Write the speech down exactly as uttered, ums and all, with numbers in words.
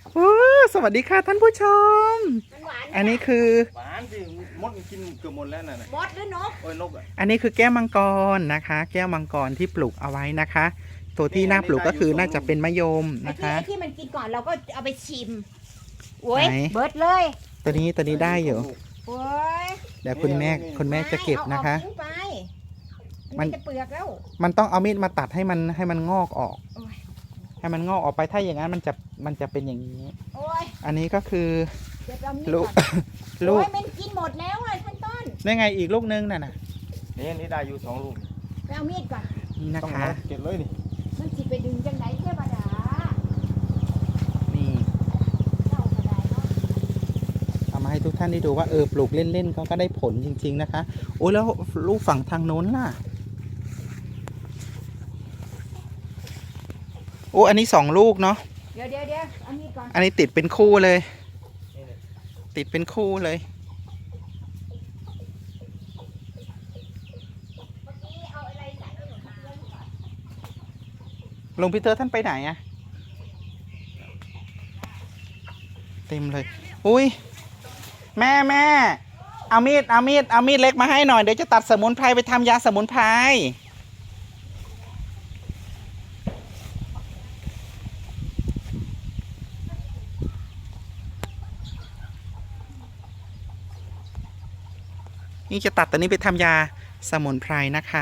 โอ้สวัสดีค่ะท่านผู้ชมมันหวานอันนี้คือหวานสิมดมันกินเกือบหมดแล้วน่ะนะมดหรือนกโอ้ยนกอ่ะอันนี้คือแก้วมังกรนะคะ แก้วมังกรที่ปลูกเอาไว้นะคะ ตัวที่น่าปลูกก็คือน่าจะเป็นมะยมไอ้นะที่คะไอ้ที่มันกินก่อนเราก็เอาไปชิมโอ้ยไหนเบิดเลยตัวนี้ตัวนี้ได้อยู่โอ้ยเดี๋ยวคุณแม่คุณแม่จะเก็บนะคะไม่เอาออกทิ้งไปมัมัน นจะเปลือกแล้วมันต้องเอามีดมาตัดให้มันให้มันงอกออกโอ้ยให้มันงอกออกไปถ้าอย่างนั้นมันจะมันจะเป็นอย่างนี้โอ้ยอันนี้ก็คือเดี๋ยวเอามีดลูกก่อนลูกโอ้ยมันกินหมดแล้วอ่ะท่านต้นได้ไงอีกลูกนึงน่ะนะนี่นี่ได้อยู่สองลูกไปเอามีดก่อนนี่นะต้องคะเก็บเลยนี่มันสิไปดึงจังไหนเทวดานี่เจ้าก็ได้เนาะเอามาให้ทุกท่านได้ดูว่าเออปลูกเล่นๆเขาก็ได้ผลจริง ๆนะคะโอ้ยแล้วลูกฝั่งทางโน้นล่ะโอ้อันนี้สองลูกเนาะเดี๋ยวเดี๋ยวเดี๋ยวเอามีดก่อนอันนี้ติดเป็นคู่เลยนี่เลยติดเป็นคู่เลยเมื่อกี้เอาอะไรใส่ไว้หนูคะเรื่องก่อนหลวงพี่เตอร์ท่านไปไหนอะเต็มเลย อุ้ยแม่แม่เอามีดเอามีดเอามีดเล็กมาให้หน่อยเดี๋ยวจะตัดสมุนไพรไปทำยาสมุนไพรนี่จะตัดตัวนี้ไปทำยาสมุนไพรนะคะ